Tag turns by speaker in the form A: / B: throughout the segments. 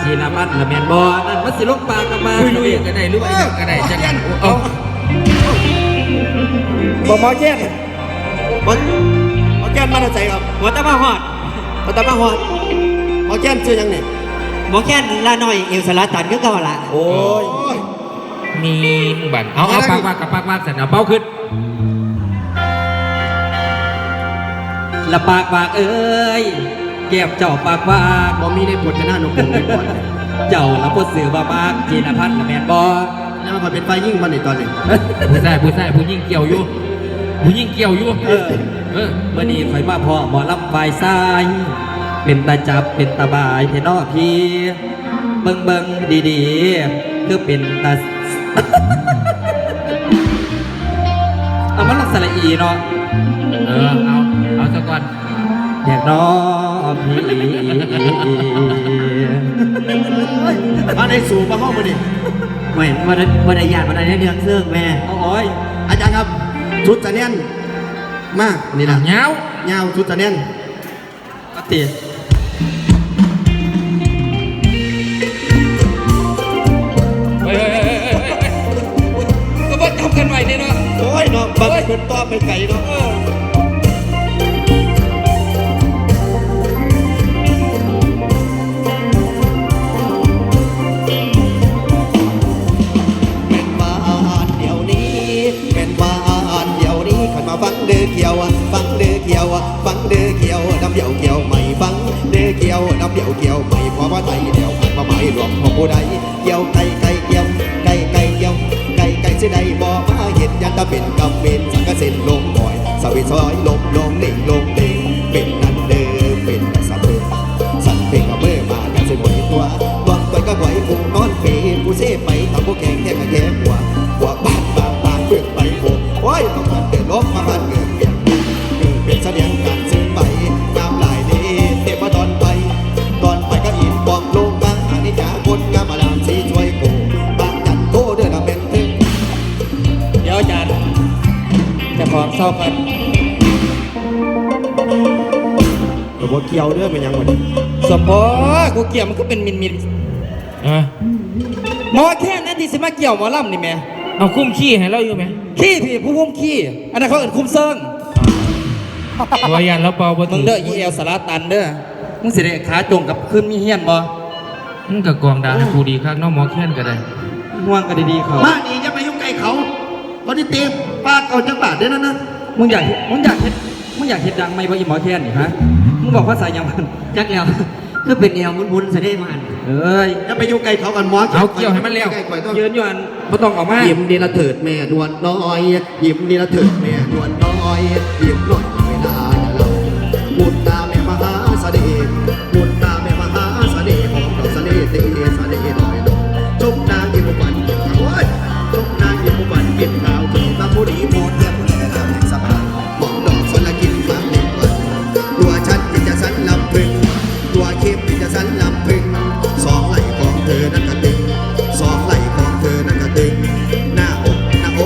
A: จีนพัฒน์ละแมนบอนั่นมันสิลงปากกับมา
B: ลุยๆก็ได้หรือว่าก็ได้จังเอา
C: หมอแก้นหมอแก้นมาจากไหนครับ
D: หมอตะมาหอด
C: หมอแก้นชื่อยังเนี่ย
D: หมอแก้นลาหน่อยเอวสลัดตันก็เก่าละ
C: โอ้ย
B: มีบันเอาปากว่ากับปากว่าเสร็จเอาเป้าขึ้น
A: ละปากปากเอ้ยแก้มเจ้าปากว่า
C: บ่มีในบทจะน่าหนุกหนุกไปก่อน
A: เจ้าละพดสื่อว่ามากจีนพัฒน์ละแมนบอ
C: แล้วมันเป็นไฟยิ่งมันในตอนนี้
B: ผู้ยิ่งเกี่ยวอยู่
A: เมื่อนี้ข่อยมาพ่อหมอลำฝ่ายซ้ายเป็นตาจับเป็นตาบายเทนอพี่เบิ่งดีๆคือเป็นตาเอามันลงสระอีเนาะ
B: เอาซะก่อน
A: อยากน้อพี่
C: มาในสู่มาห้องมาดิ
D: ไม่วันใดญาติวันใดเดือนเสื่องแม่
A: โอ้ย
C: อาจารย์ครับชุดจะเนียนมากนี่นะ
B: เงา
C: ชุดจะเนียน
A: ปฏิ
B: ก็มาทำกันใหม่เนี่ยเนาะ
C: โอ้ยเนาะบางคนต้อไปไก่เนาะฟังเดือเกี่ยวฟังเดือเกี่ยวฟังเดือเกี่ยวน้ำเดี่ยวเกี่ยวไม่ฟังเดือเกี่ยวน้ำเดี่ยวเกี่ยวไม่พอว่าไทยเดี่ยวมาหมายรวมของผู้ใดเกี่ยวไก่เกี่ยวไก่เกี่ยวไก่เสียใดบ่มาเห็นยันตะเป็นกำเป็นสังกะเส้นลงบ่อยสวิซอยลงเด้งเป็นนั่นเด้อเป็นสะเบิดสั่นเป็นกระเบื้อมากันเส้นหมดตัววางไว้ก็ไหวผู้นอนเปย์ผู้เซ่ไปทำผู้แข่งแค่แค่หัวบ้านเปิดไปโอ้ยต้องการเดินลบมาบ้านเกิดเป็นเสดียงการซื้อไปน้ำลายดีเทพตอนไปก็อินบองลงบางอันนี้จ๋าคนงามมาลามสีช่วยโกบางจันโกเดือดเป็นถึง
A: เดี๋ยวอาจารย์จะขอเศร้ากัน
C: แต่ว่าเกี่ยวเด้อเป็นยังไง
A: สมพอกูเกี่ยวมันก็เป็นมินหมอแค่นั้นที่สิมาเกี่ยวหมอลำนี่แม่
B: เอาคุ้มขี้ให้เราอยู่ไหม
A: ขี้พี่ผู้พุ่มขี้อันนั้นเขาเอิ้นคุ้มเซิง
B: วายันแล้วเปล่า
A: มึงเด้อยีเอลสาราตันเด้อมึงสิได้ขาจงกับขึ้นมีเฮียนบ่
B: มึงกับกองดาให้กูดีครับน้องหมอแค้นก็ได้
A: ห่วงกันดีๆเขา
C: มาดีจะไปยุ่งไก่เขาวันนี้เต็มปากเอาจังบาทเด้อนะ
A: มึงอยากเห็ดดังไหมว่าอีหมอแค้นนี่ฮะมึงบอกว่าสายยังมัน
D: จักแล้วก็เป็นแนวมุนๆเสด็จมัน
C: จะไปยุ่งไก่เขากันหมอ
B: เอาเกี่ยวให้มันเร็ว
A: ยืนอยู่อันไม่ต้องออกมา
C: ยิ้มดีละเถิดแม่นวลน้อยยิ้มดีละเถิดแม่นวลน้อยยิ้มหน่อยไม่ได้เราบุญตาแม่มหาเสน่ห์บุญตาแม่มหาเสน่ห์ของเราเสน่ห์ตีเสน่ห์ลอยลงชมนางยิ้มบันโอ้ยชมนางยิ้มบันเป็นข่าวถึงตาผู้ดีโมดแย่ผู้แย่ทำสบายมองดอกสนกินฟังเด็กวันตัวฉันที่จะสันลำพึงตัวเข้มที่จะสันลำพึงสองไหล่ของเธอนั้นกระตึงสองไหล่ของเธอนั้นกระตึงหน้าอก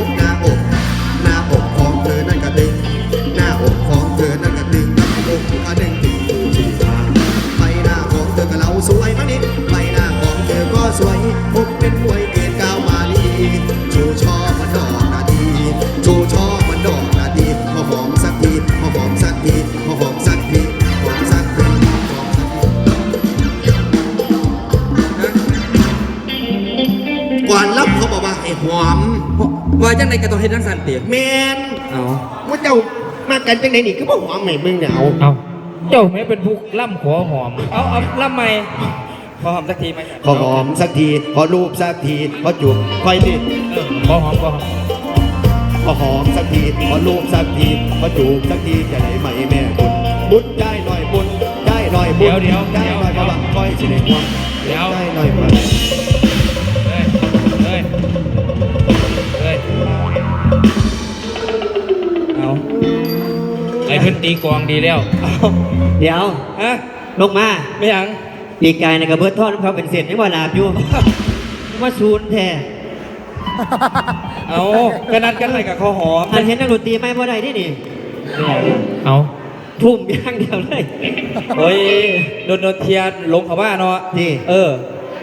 C: ของเธอนั้นกระตึงหน้าอกของเธอนั้นกระตึงหน้าอกกระดึงตึงจีตาใบหน้าของเธอก็เราสวยมานิดใบหน้าของเธอก็สวยผมเป็นมวยเกศก้าวมาลีชูช่อมันดอกนาทีชูช่อมันดอกนาทีมาหอมสักทีมาหอมสักทีมาหอมสักทีหอมสักทีก่อนรับเขาบอกว่าไอ้หอม
A: ว่าจังไหนก็ต้องเฮ็ดทั้งสันเตีย
C: แมน
A: เอา
C: ว่าเจ้ามากันจังไหนนี่ก็บอกหอมใหม่มึงเนี่ยเอา
B: เจ้าไม่เป็นผู้ล่ำขอหอม
A: เอาล่ำใหม่ขอหอมสักทีไหม
C: ขอหอมสักทีขอรูปสักทีขอจูบคอยดิ
B: ขอหอมข
C: อหอมสักทีขอรูปสักทีขอจูบสักทีจะได้ไหมแม่บุญได้หน่อยบุญได้หน่อยบุญได้หน่อยกระบังคอยสิเด็กหัวได้หน่อยมา
A: เอา
B: ไอ้เพิ่นตีกองดีแล้ว
D: เดี๋ยวลงมา
A: ไม่ยัง
D: ปีกายในกระเบื้องทอดเขาเป็นเศษไม่ว่าลาบอยู่มาซูนแท้
A: เอากระนัดกันอะไรกับข้าวหอม
D: อันเห็นนักดนตรีไม่บ่ได้ที่นี่
B: เอา
D: ทุ่มย่างเดียวเลย
A: โอ้ยโดนเทียนลงเขาบ้านเนาะ
D: นี่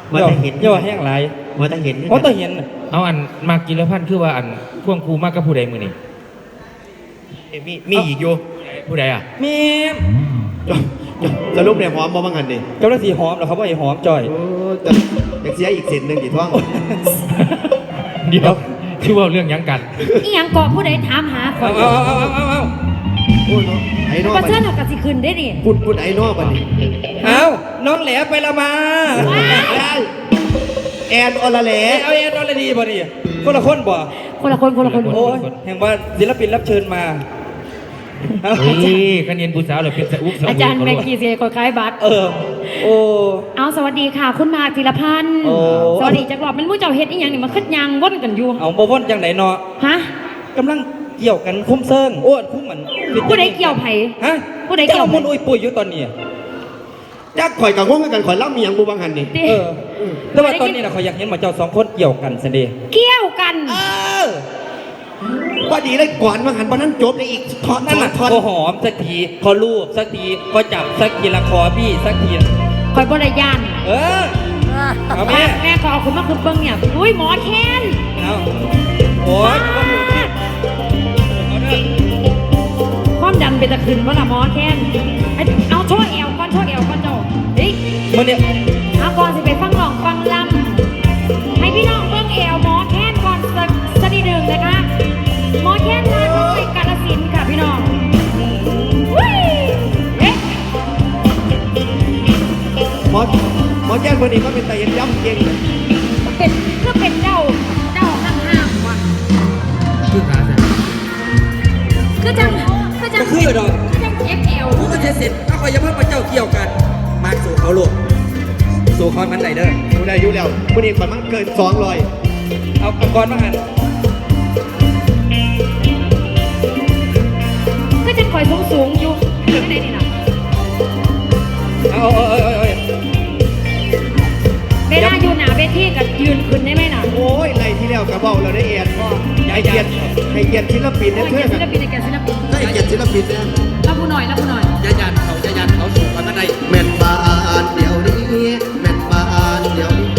D: ว่าจะเห็น
A: ย่อแห้งหลาย
D: ว่าจะเห็น
A: เพราะต้องเห็น
B: เอาอันมากกินแล้วพันคือว่าอันพ่วงครูมากกับผู้ใดมือนี่
D: มีอีกอยู่
B: ผู้ใดอ่ะ
A: มี
C: สรุปเนี่ยหอมบ่บางหันดิ
A: เจ้าหน้าที่หอมเหรอครับว่าไอ้หอมจ่อย
C: โอ้แต่อยากเสียอีกเส้นหนึ่งกี่ท้อง
B: เดี๋ยวชื่อว่าเรื่องหยังกัน
E: อีหยังก่อผู้ใดถามหาข่อย
A: เอา
C: โอ้ยเนาะไอ้นอก
E: ประ
C: บัด
E: เชิญ
C: นี้
E: เอากระสิขึ้นได้ดิ
C: พูดไอ้นอกบัดนี้
A: เอาน้องแหลไปละมา
C: แอนอลาแหล
A: เอาเอ็นอลดีบ่ดิคนละคนบ่
E: คนละคนคนละคน
A: โอ้ยแห่งว่าศิลปินรับเชิญมาเอา
B: เฮ้ยคะแนนผู้สาวเหรือเป็นสะอุกสะ
E: อาจารย์แม็กกี้เสียคอยคล้ายบัตร
A: โอ้
E: เอาสวัสดีค่ะ คุณมาธีรพันธ์
A: โอ้
E: สวัสดีจักรอบมันมู่เจ้าเฮ็ดอีหยังนี่มันคึดยางวนกันอยู่
A: เอาบ่ว่นจังไหนเนาะ
E: ฮะ
A: กำลังเกี่ยวกันคุ้มเซิงโอ้คุ้มมัน
E: ผู้ใดเกี่ยวไผ
A: ฮะ
E: ผู้ใดเกี่ยว
A: จ้ามุนอุ้ยปุ้ยอยู่ตอนนี้
C: จักข่อยกับง้งกันข่อยเล่ามีหยังบูบางหันนี่
E: ติ
A: แต่ว่าตอนนี้นะเขาอยากเห็นหมาเจ้าสองคนเกี่ยวกันสิเดี
E: เกี่ยวกัน
C: ว่าดีเลยก่อนบางหันวันนั้นจบเลยอีกทอด
A: นั่นน่ะ
C: ทอด
A: พอหอมสักทีพอลูบสักทีพอจับสักทีละคอพี่สักที
E: คอยบ่ได้ย่าน
A: เอาแม่
E: แม่ขอเอาคุณมาคือเบิ่งเนี่ยอุ้ยหมอแค้น
A: เอาโอ้ยเอาเด้อ
E: ความดันเป็นตะขึ้นบ่ล่ะหมอแค้นเอาโชว์เอวก่อนโชว์เอวก่อนเจ้าเฮ้ย
A: มันเนี่ย
E: เอาก่อนสิไปฟังร้องฟังลำให้พี่น้องเบิ่งเอวหมอแค้นก่อนสักนิดหนึ่งนะคะหมอแค้นลาน้อยกาฬสินธุ์ค่ะพี่น้องวิ่เอ๊ะ
C: หมอแจ้งคนนี้ก็เป็นไตเย็นย่ำเก่งเลย
E: เป็นเพื่อเป็นเจ้าห้างๆว่ะ
B: คือขาใช่
E: คือจังคือจัง
A: ก็คือดอก
E: คือจัง FL
A: กูก็จะเสร็จถ้าคอยจะเพิ่มมาเจ้าเกี่ยวกัน มาสู่เขาลูกสู่คอนมันไหนเด้อ
C: ดูได้อยู่แล้ววันนี้ข่อยมันเกิน200
A: เอาก่อนมาหัน
E: คือจังคอยสูงอยู่ที่ไหนนี่นะ
A: เอา
E: เวลาอยู่หนาเวทีกับยืนขึ้นได้ไหมน่ะ
C: โอ้ยไรที่แล้วกระเบ้าเราได้เอียนให้เกียรติศิลปิน
E: โอ้
C: เนี่ย
E: ย
C: เพื่อน
E: ศิลปินในแกศิลปิน
C: ให้เกียรติศิลปินเนี่ย
E: รับผู้หน่อยรับผู้หน่อย
A: จะยันเขาสู่คอนมันไหน
C: แม่นบานเดี๋ยวนี้แม่นบานเดี๋ยวนี้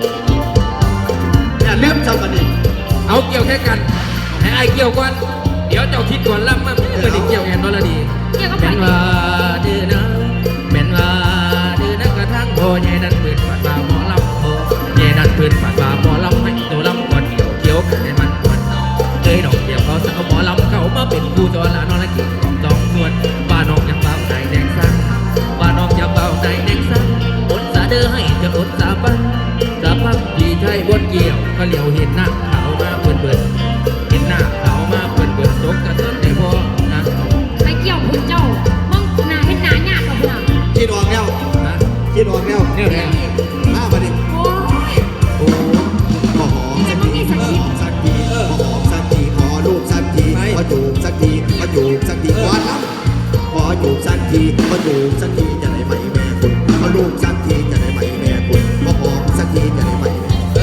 C: อย่าลืมจำกันดิ
B: เอาเกี่ยวแค่กันให้ไอายเกี่ยวก่อนเดี๋ยวเจ้าคิดก่อนล่ำมาเมื่อได้เกี่ยวแอนนอลดี
E: เกี่ยวกับ
B: แม่
E: ไผ่
B: นว่าดื้อนะแม่นว่าดื้อนะกระทั่งโพเยดันปืนฝาดบาหมอลำโพเยดันปืนฝาดบาหมอลำให้ตัวลำก่อนเกี่ยวกันให้มันก่อนเคยดอกเดียวเขาสาวหมอลำเขามาเป็นครูจอละนอนละกี่ของจองส่วนบ้านนอกยังเบาใจแดงสั่งบ้านนอกยังเบาใจแดงสั่งอดสาเด้อให้จะอดสาบันสาบันที่ใช่บนเกี่ยวก็เหลียวเห็นหน้าขาวมาเบิ่นเห็นหน้าขาวมาเบิ่นตกกระตุ้นในพ่อนะ
E: ไปเกี่ยวคุณเจ้ามึงหนาเห็นหนาหยาบกับหนา
C: คิดออกแล้ว
B: นะ
C: คิดออกแล้ว
B: เนี่ยเนี่ย
C: มาบัดนี้
E: โอ้ย
C: โอ้ขอหอมสักทีขอหอมสักทีขอหอมสักทีขอลูกสักทีขอจูบสักทีขอจูบสักทีก่อนครับขอจูบสักทีขอจูบสักทีจะได้ไหมแม่คุณขอลูกสักทีจะได้ไหมแม่คุณขอหอมสักทีจะได้ไหมแม่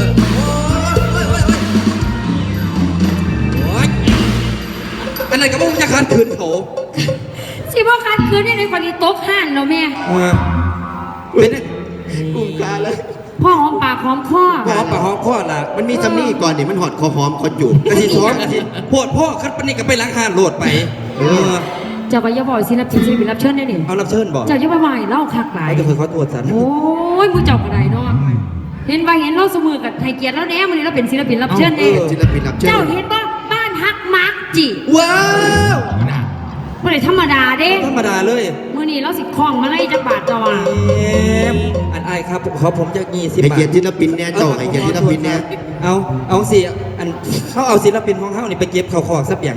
A: โอ้ยอันนั้นก็มุ่งจะคันคืนเขา
E: สิบ่คันคืนเนี่ยในความที่ตกห่านเราแม่
A: เป็น
C: กลุ่มกาแล้ว
E: พ่อหอมปากหอมคอ
A: หอมปากหอมคอล่ะ
C: มันมีจำนี่ก่อนนี่มันหอดคอหอมคอจูบ
A: กะทิท้องกะทิปวดพ่อคัดปานนี้ก็ไปล้างหานโหลดไป
E: เจ้าก็อย่าบอกศิลปินรับเชิญได้ดิ
A: เอารับเชิญบอก
E: เจ้าอย่าไปไหวเล่าคักหลาย
A: ไอ้ก็เคยเขาตรวจสัน
E: โอ้ยมูเจ้าก็ได้เนาะเห็นว่าเห็นเราเสมอกับไทยเกียรติแล้วแน่มื้อนี้เราเป็นศิลปินรับเชิญแน่
C: ศิลปินรับเชิญ
E: เจ้าเห็นว่าบ้านฮักมาร์กจิ
A: ว้าว
E: บ่ได้ธรรมดาเด้
A: ธรรมดาเลย
E: มื้อนี้เราสิคล้องมาไล่จักบาทเจ้าว่า
A: อันไอายครับขอผมจะ20
C: ให้
A: บาท
C: เกียรติศิลปินเนี่ยเจ้าให้เกียรติศิลปินเนี่ย
A: เอาสิอันเขาเอาศิลปินของเขานี่ไปเก็บเขาขอกสักอย่าง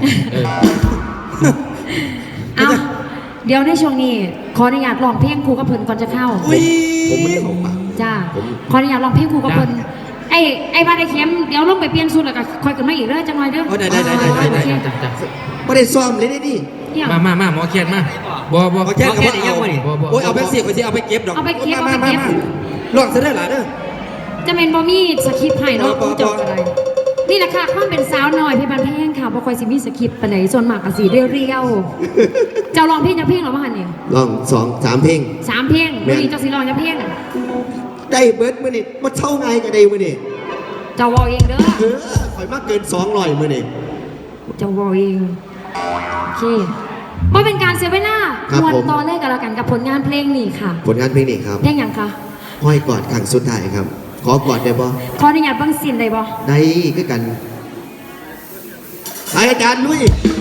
E: เอาเดี๋ยวในช่วงนี้ขออนุญาตร้องเพลงครูกับเพิ่นก่อนจะเข้า
C: ผมไม่ได้เข้าปาก
E: จ้าขออนุญาตร้องเพลงครูกับเพิ่นไอ้บ้านไอ้เข็มเดี๋ยวลงไปเปลี่ยนชุดแล้วก็ค่อยกันมาอีกเด้อจังหน่อยเด้อ
A: ได้
E: โอเค
C: ไม่ได้ซ้อมเลยนี่
E: เนี่ย
B: มาหมอเขียนมาบ่
A: ขอแค่กับว่าเอาโอ้ยเอาแบงค์สิเอาไปเก็บดอกลองซะได้หลายเด้อ
E: จะเป็นบ่มีสคริปต์ให้เนาะครูเจบอะไรนี่แหละค่ะความเป็นสาวน้อยเพชรบานแพงค่ะบ่ค่อยสิมีสคริปต์ปานใดส่วนมากก็สิเรียวๆเจ้าร้องเพลงจักเพลงหรอบ่หั่นนี่
C: ลอง2-3 เพลง
E: 3เพลงมื้อนี้เจ้าสิร้องจักเพลง
C: ได้เบิร์ดมือนี่มาเช่าไงกันได้มือนี่
E: เจ้าวอเองเด้อ
C: ข่อยมากเกิน200มือนี่
E: เจ้าวอเองโอเคไม่เป็นการเสียเวลา
C: ครับ
E: มวน
C: ผม
E: ตอนแรกกันแล้วกันกับผลงานเพลงนี่ค่ะ
C: ผลงานเพลงนี้ครับ
E: เพลงอย่างคะ
C: ห้อยกอดครั้งสุดท้ายครับ ขอกอดได้บ่
E: ขออนุญาตเบิ่งซีนได้บ่
C: ได้ก็กันไปอาจารย์ลุย